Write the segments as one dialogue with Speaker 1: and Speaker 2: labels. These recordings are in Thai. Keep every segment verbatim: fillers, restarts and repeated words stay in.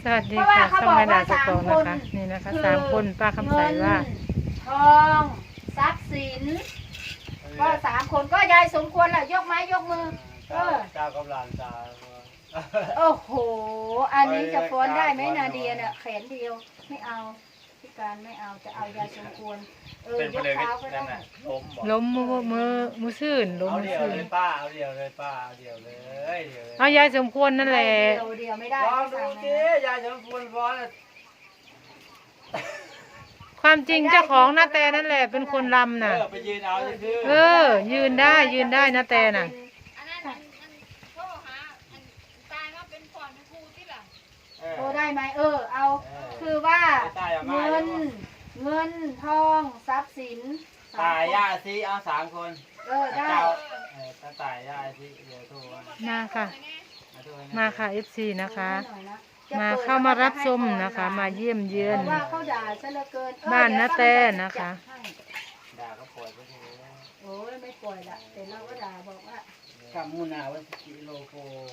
Speaker 1: สวัสดีค่ะช่องแม่ดาจะโกงนะคะนี่นะคะสามคนป้าคำใสว่า
Speaker 2: ทองทรัพย์สินก็สามคนก็ยายสมควรแหละยกไม้ยกมือเออ
Speaker 3: เจ้ากำลังตา
Speaker 2: โอ้โหอันนี้จะฟ้อนได้ไหมนาเดียเนี่ยแขนเดียวไม่เอาพิการไม่เอาจะเอายายสมควรเออยกเท้าก็ได้
Speaker 1: ล้มมือมือมือซื่นล้ม
Speaker 3: เอา
Speaker 1: มือ
Speaker 3: เดียว
Speaker 1: ซื่น
Speaker 3: เลยป้าเอาเดียวเลยป้าเอาเดียวเลยเดียวเลย
Speaker 1: เอายายสมควรนั่นแหละ
Speaker 2: เดียวเดียวไม่ได้
Speaker 3: ลองดูสิยายสมควรฟ้อน
Speaker 1: ความจริงเจ้าของนาแตนั่นแหละเป็นคนรำน่ะ
Speaker 3: เออไปยืนเอาซื่อ
Speaker 1: เออ ยืนได้ยืนได้นาแตน่ะ
Speaker 4: อันนั้นอันอันโทรหาอันตายมาเป็นก่อนเป็นครูที่หลัง
Speaker 2: โอ้ได้ไหมเออเอาคือว่าเงินเงินทองทรัพย์สิน
Speaker 3: ตายย่าซีเอาสามคน
Speaker 2: เออได้
Speaker 3: เจ้าเออตาตายย่าซีเดี๋ยวโทรมา
Speaker 1: มาค่ะ มาค่ะ เอฟ ซี นะคะ
Speaker 2: หน่อยนะ
Speaker 1: มาเข้ามารับชมนะคะ มาเยี่ยมเยือน
Speaker 2: เพราะว่าเขาด่าซะเหลือเกินเออ
Speaker 1: บ้านนาแต
Speaker 2: เดี๋ยว
Speaker 1: นะคะ
Speaker 2: ให้
Speaker 3: ด่าก็ปล่อยไปที
Speaker 2: โอ้ยไม่ปล่อยละแต่เราก็ด่าบอกว่า
Speaker 3: กัมมูนาวันกิโลโก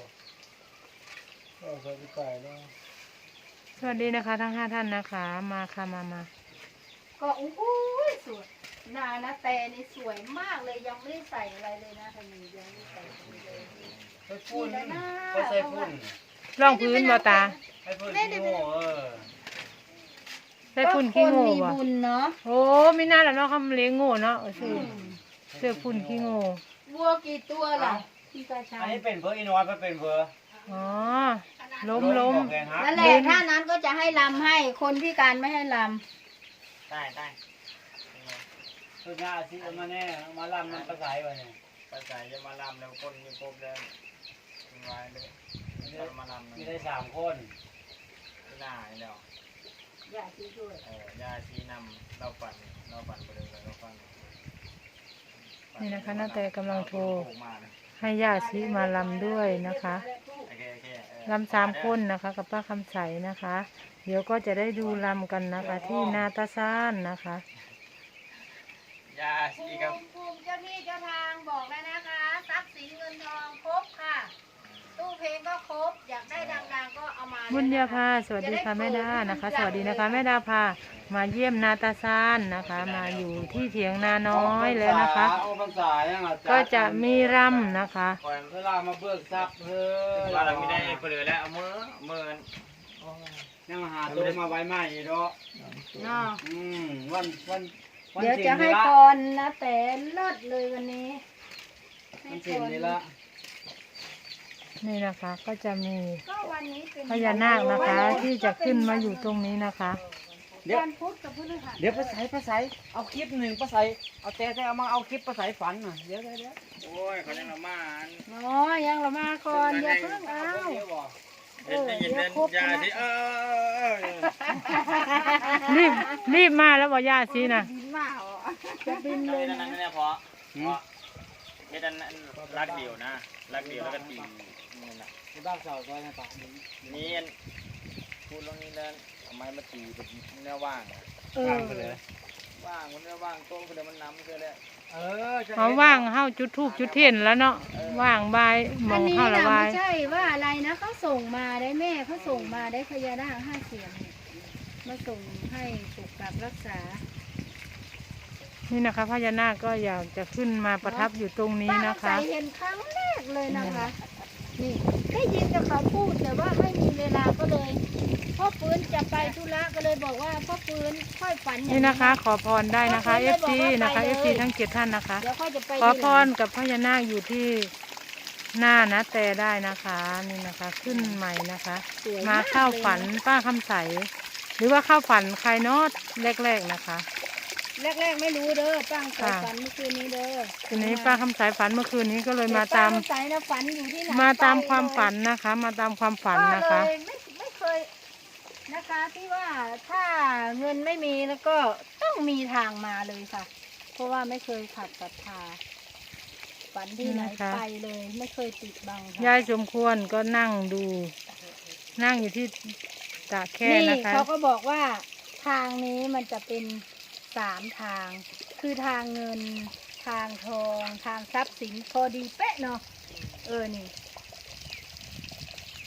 Speaker 3: ก็เคยไปต่อยแล้ว
Speaker 1: สวัสดีนะคะ ทั้งห้าท่านนะคะ มาค่ะมามา
Speaker 2: ก็โอ้โหสวยหนานะแตนี่สวยมากเลยยังไม่ได้ใส่อะไรเลยนะทางนี้ยังไม่ได้ใส่อะไรเลย
Speaker 3: ไปพุ่นก็ใส่พุ่น
Speaker 1: ร่องพื้นบ่ตา
Speaker 3: ให้พุ่นขี้โง่เออ
Speaker 1: ได้พุ่นขี้โง่
Speaker 2: ก็คนมี
Speaker 1: บ่
Speaker 2: บุญเนาะ
Speaker 1: โอ้ไม่น่าละเนาะคำเลี้ยงโง่เนาะเออซื้อเสื้อพุ่นขี้โง่
Speaker 2: วัวกี่ตัวล่ะพี่กาชั
Speaker 3: อัน
Speaker 2: ย
Speaker 3: นี้เป็นเบอร์อินวอยมันเป็นเบอร์
Speaker 1: อ๋อล้มล้ม
Speaker 3: บอกเลยฮะ
Speaker 2: นั่นแหละถ้านั้นก็จะให้ลำให้คนพิการไม่ให้ล
Speaker 3: ได้ได้ตัวหน้าที่เอามาแน่เอามาลำมันประสายวะเนี่ย
Speaker 5: ภาษาจะมาลำแล้วคนมีครบแล้วมีไว้เลยจะมาลำ
Speaker 3: มีได้สามคน
Speaker 5: ที่หน้าแล้ว
Speaker 2: ำอย่าชี้ด้วย
Speaker 5: เออยาชี้นำเราปั่นเราปั่นไปเลยเราปั่น
Speaker 1: นี่นะคะนาแตกำลังโทร
Speaker 5: มาเลย
Speaker 1: ให้ญาติซีมาลำด้วยนะคะ
Speaker 5: โอเคโอเคเออ
Speaker 1: ลำสามคนนะคะ กับป้าคำใสนะคะ เดี๋ยวก็จะได้ดูลำกันนะคะ ที่นาตาซานนะคะ
Speaker 5: ยาชี้ครับ
Speaker 2: ภูมิเจ้าที่เจ้าทางบอกแล้วนะคะทรัพย์สินเงินทองครบค่ะ ตู้เพลงก็ครบอยากได้ดังๆก็เอามา
Speaker 1: บุญญาภาสวัสดีค่ะแม่ดานะคะ สวัสดีนะคะแม่ดาพามาเยี่ยมนาตาซานนะคะ มาอยู่ที่เถียงนาน้อยแล้วนะคะ
Speaker 3: โอ้ภาษายังอ่ะ
Speaker 1: ก็จะมีรำนะคะ
Speaker 5: ก่อน
Speaker 3: เวลามาเบิกทรัพย์เฮ้ย
Speaker 5: ว่าเราไม่ได้เปลือยแล้วเอามือมือกัน
Speaker 3: ยังหาตัวมาไว้ใหม่เนาะ
Speaker 2: เนาะ
Speaker 3: อืมวันวันวัน
Speaker 2: เดี๋ยวจะให้
Speaker 3: ละ
Speaker 2: พรนะแต่เลิศเลยวันนี้ให้
Speaker 3: วัน
Speaker 2: พ
Speaker 3: สิบ
Speaker 2: ร
Speaker 3: นี่ละ
Speaker 1: นี่นะคะ ก็จะมี
Speaker 2: ก็วันนี้เป็น
Speaker 1: พญานาคนะคะ ที่จะขึ้นมาอยู่ตรงนี้นะคะ
Speaker 3: เดี๋ยว
Speaker 2: วันพุธกับพฤหัส
Speaker 3: เดี๋ยวภาษาภาษาเอาคลิปหนึ่งภาษาเอาแต่แต่เอามาเอาคลิปภาษาฝันน่ะเดี๋ยวเดี๋ยวเดี๋ยว
Speaker 5: โอ้ยเขาจะละมา
Speaker 2: อ๋อยังเรามาก่อนอย่าเพิ่งเอา
Speaker 3: เดี๋ยวบอก
Speaker 5: เห็นได้ยินเดินยาชี้เออ
Speaker 1: รีบรีบมาแล้วบอกญาติซีนะ
Speaker 2: บินมาเหรอจะบินเล
Speaker 5: เลย
Speaker 2: ย
Speaker 5: นั่น
Speaker 2: นะ
Speaker 5: นั่นเนี่ยพอเพราะเฮ็ดอันรักเดียวนะรักเดียวแล้วก็ตีนี่นะ
Speaker 3: ที่บ้านเสาซอยนะปะ
Speaker 5: นี่พูดเรื่องนี้แล้วทำไมมาตีเป็นเนื้อว่าง
Speaker 2: เออ
Speaker 3: ข้างไปเลย
Speaker 5: ว่างมันเนื้อว่างโต้ก็เดี๋ยวมันน้ำเสียแล้ว
Speaker 3: เออจะ
Speaker 1: เขาว่างเฮาจุดทูบจุดเทียนแล้วเนาะว่างบายหม
Speaker 2: อั
Speaker 1: อน ง
Speaker 2: นี้
Speaker 1: เฮาละ
Speaker 2: นะ
Speaker 1: บา
Speaker 2: ไม่
Speaker 1: ย
Speaker 2: ใช่ว่าอะไรนะเขาส่งมาได้แม่เขาส่งมาได้พญานาคห้าเสียงเนี่ยมาส่งให้ปกปักรักษา
Speaker 1: นี่นะคะพญานาคก็อยากจะขึ้นมาประทับอยู่ตรงนี้นะ
Speaker 2: ป้า
Speaker 1: คะ
Speaker 2: ใส่เห็นครั้งแรกเลยนะคะ นี่ได้ยินแต่เขาพูดแต่ว่าไม่มีเวลาก็เลยพ่อปืนจะไปธุระก็เลยบอกว่าพ่อปืนค่อยฝันอย่าง
Speaker 1: นี่นะคะ ขอพรได้นะคะเอฟซีนะคะเอฟซีทั้งเจ็ดท่านนะคะ
Speaker 2: เดี๋ยวค่อยจะไป
Speaker 1: ขอพ
Speaker 2: ทีหลั
Speaker 1: รง กับพญานาคอยู่ที่หน้านะแต่ได้นะคะนี่นะคะ ขึ้นใหม่นะคะ
Speaker 2: สวย
Speaker 1: มาเข้าฝันป้าคำใส หรือว่าเข้าฝันใครเนอดแรกๆนะคะ
Speaker 2: แรกๆไม่รู้เด้อป้าใส่
Speaker 1: ค่ะ
Speaker 2: ฝันเมื่อคืนนี้เด้อ
Speaker 1: ทีนี้ป้าคำใสฝันเมื่อคืนนี้ก็เลยมาตาม
Speaker 2: ป้ใส่นะฝันอยู่ที่ไหน
Speaker 1: มาตามความ
Speaker 2: ไปเลย
Speaker 1: ฝันนะคะ มาตามความฝันนะคะ
Speaker 2: ก็เลยไม่ไม่เคยนะคะที่ว่าถ้าเงินไม่มีแล้วก็ต้องมีทางมาเลยค่ะ เพราะว่าไม่เคยขัดศรัทธาฝันที่ไหน
Speaker 1: นะคะ
Speaker 2: ไปเลย ไม่เคยปิดบังค่ะ
Speaker 1: ยายสมควรก็นั่งดู นั่งอยู่ที่ตะแคร่
Speaker 2: นี่
Speaker 1: นะคะ
Speaker 2: เขาก็บอกว่าทางนี้มันจะเป็นสามทาง คือทางเงินทางทองทางทรัพย์สินพอดีเป๊ะเนาะเออนี่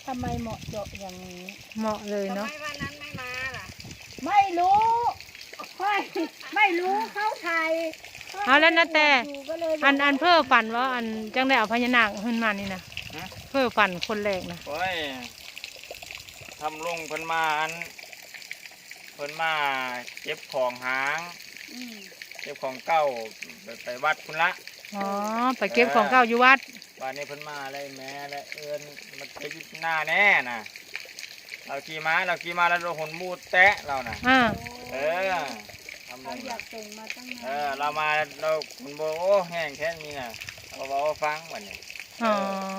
Speaker 2: ทำไมเหมาะเจาะอย่างนี้
Speaker 1: เหมาะเลย
Speaker 4: ทำ
Speaker 1: เนาะ
Speaker 4: ไมวันนั้นไม่มาล่ะ
Speaker 2: ไม่รู้ไม่ไม่รู้เขาไทย
Speaker 1: เอาแล้วนะแต่
Speaker 2: อยู่ก็เลยบอก
Speaker 1: อันอันเพื่อฝันว่าอันจังได้เอาพญานาคขึ้นมานี่นะเพื่อฝันคนแรกนะ
Speaker 5: โอ้ยทำลุงเพิ่นมาอันเพิ่นมาเก็บของหาง
Speaker 2: อืม
Speaker 5: เก็บของเก่าไปไปวัดคุณละ
Speaker 1: อ๋อไปเก็บของเก่าอยู่วัด
Speaker 5: วันนี้เพิ่นมาอะไรแม่และเอิญมันไปยึดหน้าแน่น่ะเราขี่ม้าเราขี่ม้าแล้วเราหนมูดแตะเราน่ะ
Speaker 1: อ่า
Speaker 5: เออทำล
Speaker 2: เขา
Speaker 5: ง
Speaker 2: อยากส่งมาตั้ง
Speaker 5: เอ
Speaker 2: นา
Speaker 5: อน เรามาเราคุณโบโอ้แห้งแค่นี้น่ะเราบอกว่าฟังวันนี้
Speaker 1: อ๋อ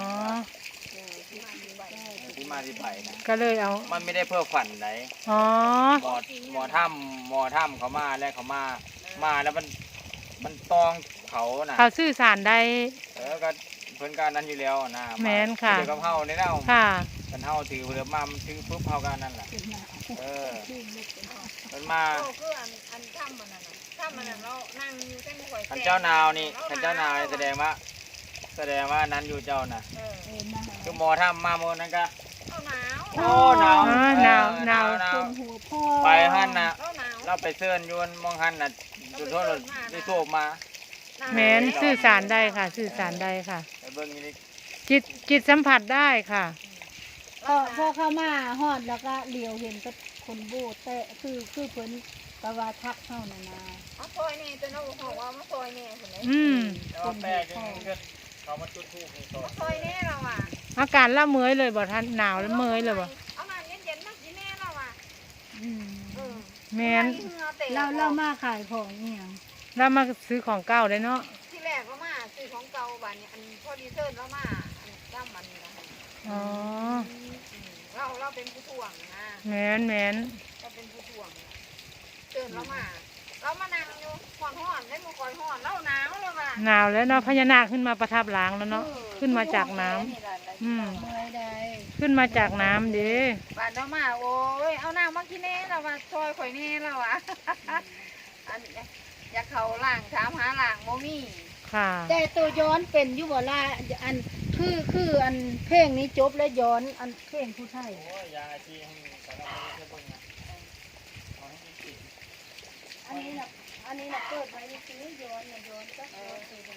Speaker 5: ที่มาที่ไปนะ
Speaker 1: ก็เลยเอา
Speaker 5: มันไม่ได้เพื่อฝันไหน
Speaker 1: อ๋อ
Speaker 5: หมอหมอถ้ำหมอถ้ำเขามาแล้วเขามามาแล้วมันมันตองเขาน่ะ
Speaker 1: เขาสื่อสารได้
Speaker 5: เออก็เพิ่นการนั้นอยู่แล้วนะ
Speaker 1: แม่นค่ะ
Speaker 5: เดี๋ยวกับเฮาในเน่า
Speaker 1: ค่ะ
Speaker 5: กันเฮาถือเรือมามันถือปุ๊บเฮากันนั่นแหละเออเพิ่นมา
Speaker 4: โอ้คืออันอันถ้ำมันน่ะนะถ้ำมันน่ะเรานั่งอยู่แต่ไม่ค่อย
Speaker 5: คันเจ้านาวนี่คันเจ้านาวนี่แสดงว่า แสดงว่านั้นอยู่เจ้าน่ะ
Speaker 4: เออ
Speaker 2: เออนะ
Speaker 5: คือหมอถ้ำมาโมอนั้นก็
Speaker 4: เอาหนาว
Speaker 5: โอ้หนาว
Speaker 1: อ๋อหนาวหนาว
Speaker 5: หนาว
Speaker 2: คนหัวพ่อ
Speaker 5: ไปหั่นน่ะ
Speaker 4: เอาหนาว
Speaker 5: เราไปเซิร์นอยวนมองหันน่ะจุดโทษได้โทษมา
Speaker 1: แม้นสื่อสารได้ค่ะ สื่อสารได้ค่ะ
Speaker 5: ไปเบิ่งนี่
Speaker 1: จิตจิตสัมผัสได้ค่ะ
Speaker 2: พอพอเข้ามาฮอดแล้วก็เหลียวเห็นก็คนโบแต่คือคือเพิ่นกะว่าทักเข้านานา
Speaker 4: เอาซอยนี่ตัวน้องบอกว่ามาซอยนี่คนไหน
Speaker 1: อืม
Speaker 5: แต่ว่าแปลกจังเกิดเขามาจุดธูปนี่ก่อน
Speaker 4: ซอยนี่เราอ่ะ
Speaker 1: อาการละเมอยเลยบ่ท่านหนาวแล้วเมอยเลยบ่
Speaker 4: เอาน้ำเย็นๆมากินแน่เราอ่ะ
Speaker 2: อืม
Speaker 4: เออ
Speaker 1: แม้น
Speaker 2: เราเรามาขายของเนี่ย
Speaker 1: แล้วมาซื้อของเก่าได้เนาะ
Speaker 4: ที่แรกเรามาซื้อของเก่าบ้านนี้อันพอดีเซิร์นเรามาอันจ้ำมันนี่นะคะ
Speaker 1: อ๋อ
Speaker 4: เราเราเป็นผู้ถ่วงนะ
Speaker 1: แม้นแม้น
Speaker 4: เราเป็นผู้ถ่วงเซิร์นเรามาเรามานั่งอยู่ห่อนห่อนได้มือคอยห่อนเราหนาวเลยว่ะ
Speaker 1: หนาวแล้วเนาะพญานาคขึ้นมาประทับหลังแล้วเนาะขึ้นมาจากน้ำอืม
Speaker 2: เมื่อยใด
Speaker 1: ขึ้นมาจากน้ำเด้
Speaker 4: บ้านเรามาโอ้ยเอาน้ำมากินแน่เราว่าซอยข่อยแน่เราอ่ะอันอยากเขาล่างถามหาล่างโมมี่
Speaker 1: ค่ะ
Speaker 2: แต่ตัวย้อนเป็นอยู่บ่ล่ะอันคือคืออันเพลงนี้จบแล้วย้อนอันเพลงผู้ไทย
Speaker 5: โอ้ยยาอาชีพให้สารพัดเพื่อเบิ่งนะเอาให้จริง
Speaker 2: อันนี้น่ะอันนี้น่ะเปิดไว้นี่คือย้อนน่ะย้อนก็ย้อนคือ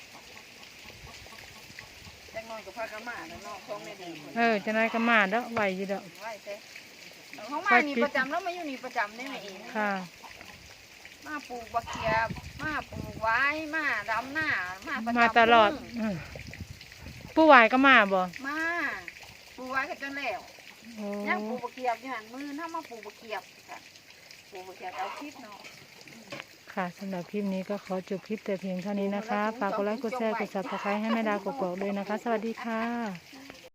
Speaker 4: จังน้อยกับพากระมาแล้วน้องท้องไม่ดี
Speaker 1: เออจะนายก็มาเด้อไหวอยู่เด้อ
Speaker 4: ไหวเต้เขามานี่ประจำแล้วมาอยู่นี่ประจำได้ไหมเอง
Speaker 1: ค่ะ
Speaker 4: มาปลูกบักเขียบมาปลูกไว้มาดำหน้ามาประจำ
Speaker 1: มาตลอดอืมผู้ไหวก็มาบ่
Speaker 4: มาปลูกไว้ก็จนแล้ว
Speaker 1: โอ้
Speaker 4: ยังปลูกบักเขียบอยู่หันมือถ้ามาปลูกบักเขียบค่ะปลูกบักเขียบเอาคลิปเนาะ
Speaker 1: ค่ะสำหรับคลิปนี้ก็ขอจบคลิปแต่เพียงเท่านี้นะคะฝากกดไลค์กดแชร์กดซับสไครต์ให้แม่ดากกอกๆด้วยนะคะ สวัสดีค่ะ